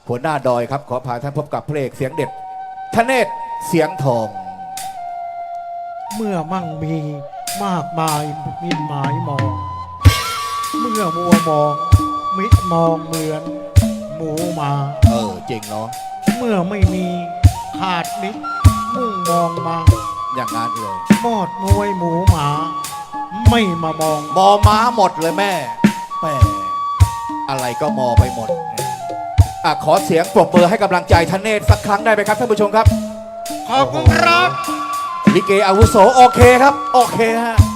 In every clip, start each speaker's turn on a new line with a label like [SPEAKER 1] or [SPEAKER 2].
[SPEAKER 1] หัวหน้าดอยครับขอพาท่านพบกับพระเอกเสียงเด็ดธเนศเสียงทอง
[SPEAKER 2] เมื่อมั่งมีมากมายมิตรหมายมองเมื่อมัวมองมิตรมองเหมือนหมูหมา
[SPEAKER 1] จริงเนาะ
[SPEAKER 2] เมื่อไม่มีขาดมิตรมุ่งมองมา
[SPEAKER 1] อย่างนั้นเลย
[SPEAKER 2] มอดมวยหมูหมาไม่มามอง
[SPEAKER 1] มอม้าหมดเลยแม่อะไรก็มอไปหมดขอเสียงปรบมือให้กำลังใจธเนศสักครั้งได้ไหมครับท่านผู้ชมครับ
[SPEAKER 2] ขอบคุณครับ
[SPEAKER 1] ลิเกอาวุโสโอเคครับโอเคฮะ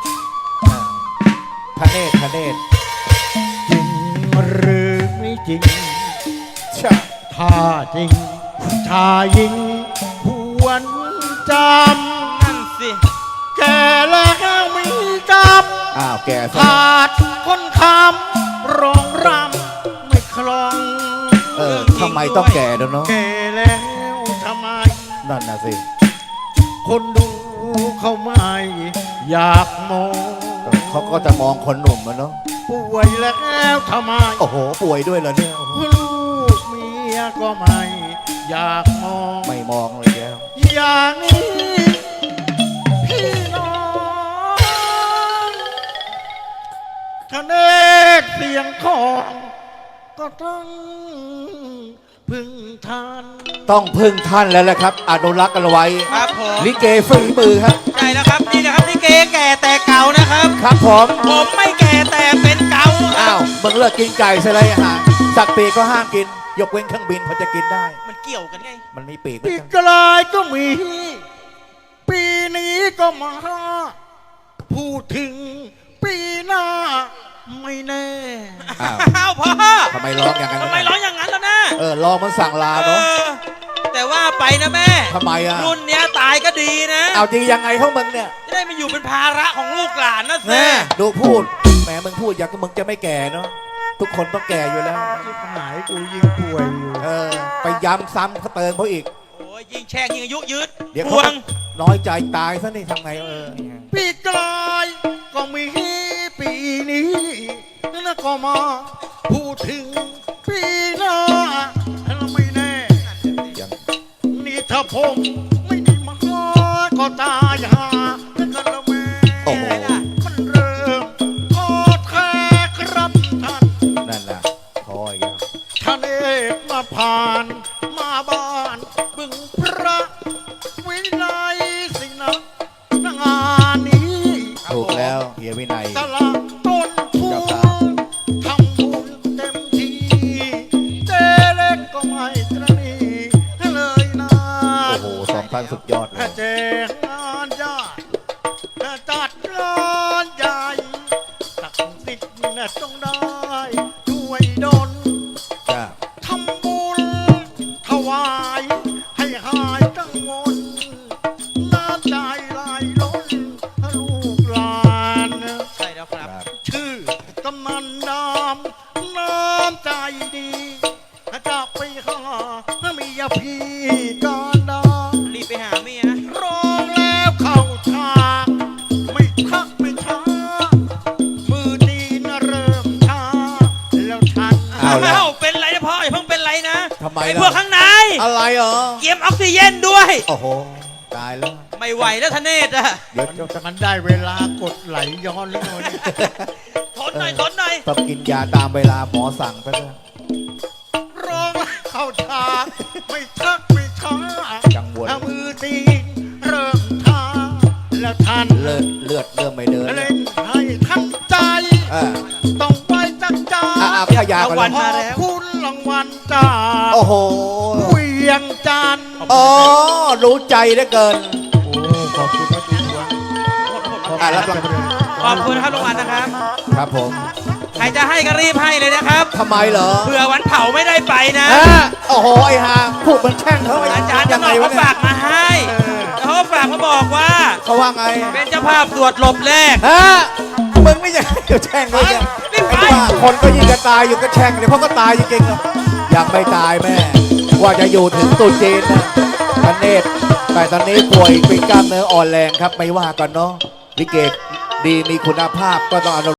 [SPEAKER 1] ธเนศ
[SPEAKER 2] จริงหรือไม่จริงถ้าจริงชายหญิงหวนจำ
[SPEAKER 3] นั่นสิ
[SPEAKER 2] แก่แล้วมีกรรม
[SPEAKER 1] แก่
[SPEAKER 2] ขาดคนคำร้องรำไม่คล่อง
[SPEAKER 1] ทำไมต้องแก่ด้วยเนาะ
[SPEAKER 2] แก่แล้วทำไม
[SPEAKER 1] นั่นนะสิ
[SPEAKER 2] คนดูเขาไม่อยากมอง
[SPEAKER 1] เขาก็จะมองคนหนุ่มมันเนาะ
[SPEAKER 2] ป่วยแล้วทำไม
[SPEAKER 1] โอ้โหป่วยด้วยเหรอเนี่ย
[SPEAKER 2] ลูกเมียก็ไม่อยากมอง
[SPEAKER 1] ไม่มองเลยแล้ว
[SPEAKER 2] อย่างนี้พี่น้องทะเนศเสียงของก็ต้องพึ่งท่าน
[SPEAKER 1] แล้วแหละครับอนุรักษ์กันไว้
[SPEAKER 3] ครับผม
[SPEAKER 1] ลิเกฝีมือครับ
[SPEAKER 3] ใช่แล้วครับนี่นะครับลิเกแก่แต่เก่านะครับ
[SPEAKER 1] ครับผม
[SPEAKER 3] ไม่แก่แต่เป็นเก่า
[SPEAKER 1] มึงเลิกกินไก่ใช่ไรอาหารสัตว์ปีกก็ห้ามกินยกเว้นเครื่องบินเขาจะกินได้
[SPEAKER 3] มันเกี่ยวกันไง
[SPEAKER 1] มันมีปีก
[SPEAKER 2] ปีกลายก็มีปีนี้ก็มาพูดถึงปีหน้าไม่แน่
[SPEAKER 3] พ่อ
[SPEAKER 1] ทำไมร้องอย่างนั้น
[SPEAKER 3] แล้วนะ
[SPEAKER 1] ร้องมันสั่งลาเนาะ
[SPEAKER 3] แต่ว่าไปนะแม่
[SPEAKER 1] ทำไม
[SPEAKER 3] รุ่นเนี้ยตายก็ดีนะ
[SPEAKER 1] เอาจริงยังไงพวกมึงเนี่ย
[SPEAKER 3] จะได้มาอยู่เป็นภาระของลูกหลานนะแม่
[SPEAKER 1] ดูพูดแหมมึงพูดอย่างมึงจะไม่แก่เนาะทุกคนต้องแก่อยู่แล้ว
[SPEAKER 2] หายกูยิ่งป่วยอยู่
[SPEAKER 1] ไปย้ำซ้ำเขาเติมเขาอีก
[SPEAKER 3] โอ้ยยิ่งแช่งยิ่งอายุยืด
[SPEAKER 1] เดี๋ยวเขาน้อยใจตายซะนี่ทำไง
[SPEAKER 2] ปีกลายก็มีปีนี้แล้วก็มาพูดถึงปีหน้าไม่แน่นี่ถ้าผมไม่ได้มาก็ตายหาแล้วกันละแม่มันเริ่มทอดแท้ครับท่าน
[SPEAKER 1] นั่นแหละคอยกัน
[SPEAKER 2] ท่านเอกมาผ่านมาบ้านบึงพระวินัยสินะงานนี้
[SPEAKER 1] ถูกแล้วเฮียวินัย
[SPEAKER 2] ตลาดต้นทุนทำบุญเต็มที่เจเล็กก็ไม่ตระหนี่เลยนะ
[SPEAKER 1] โอ้โห2,000สุดยอดเลย
[SPEAKER 2] เจงานใหญ่จัดงานใหญ่ตักสิทธิ์ต้องได้ด้วยดลทำบุญถวายให้หายกังวลน้ำใจไหลล้นลูกหลาน
[SPEAKER 3] ใช่แล้วครับ
[SPEAKER 2] ชื่อกำนันน้ำใจดีจะไปหาเมียพี่กันดา
[SPEAKER 3] รีบไปหาเมีย
[SPEAKER 2] ร้องแล้วเข้าฉากไม่ทักไม่ช้ามือดีนะเริ่มช้าแล้วฉัน
[SPEAKER 3] เป็นไรนะพ่ออย่าเพิ่งเป็นไรนะ
[SPEAKER 1] ทำไม
[SPEAKER 3] พวกข้างใน
[SPEAKER 1] อะไร
[SPEAKER 3] เกียมออกซิเจนด้วย
[SPEAKER 1] โอ้โหตายแล้ว
[SPEAKER 3] ไม่ไหวแล้วทเนศ
[SPEAKER 2] เดี๋ยวมันได้เวลากดไหลย้อนแล้วเนี่ย
[SPEAKER 3] ทนหน่อย
[SPEAKER 1] ต้องกินยาตามเวลาหมอสั่งไปด้วย
[SPEAKER 2] ร้องเข้าฉากไม่ทักไม่ช้า
[SPEAKER 1] จังหวะ
[SPEAKER 2] มือตีเริ่มช้าแล้วทัน
[SPEAKER 1] เลือดเริ่มไม่เดิน
[SPEAKER 2] เล่นให้ทันใจต้องไปจักจ้า
[SPEAKER 1] ขยาก่อน
[SPEAKER 2] มาแล้วคุณรางวัลจ้า
[SPEAKER 1] โอ้โห
[SPEAKER 2] เวียงจันทร์
[SPEAKER 1] รู้ใจเหลือเกิน
[SPEAKER 2] ขอบคุณครับ
[SPEAKER 1] รับ
[SPEAKER 3] ขอบคุณครับรางวัลนะครับ
[SPEAKER 1] ครับผม
[SPEAKER 3] ใครจะให้ก็รีบให้เลยนะครับ
[SPEAKER 1] ทำไมเหรอ
[SPEAKER 3] เผื่อวันเผาไม่ได้ไปนะ
[SPEAKER 1] โอ้โหไอ้ห่าพูดมันแช่งเขา
[SPEAKER 3] อาจารย์จะบอกเขาฝากมาให้เขาฝากมาบอกว่า
[SPEAKER 1] เขาว่าไง
[SPEAKER 3] เป็นเจ้าภาพตรวจหลบแรก
[SPEAKER 1] มึงไม่ใช่เดี๋ยวแช่งเลยเนี่ยคนก็ยิงกันตายอยู่ก็แช่งเดี๋ยวเขาก็ตายจริงๆยังไม่ตายแม่ว่าจะอยู่ถึงตุจีนนะธเนศแต่ตอนนี้ป่วยเป็นกล้ามเนื้ออ่อนแรงครับไม่ว่ากันเนาะลิเกดีมีคุณภาพก็ต้อง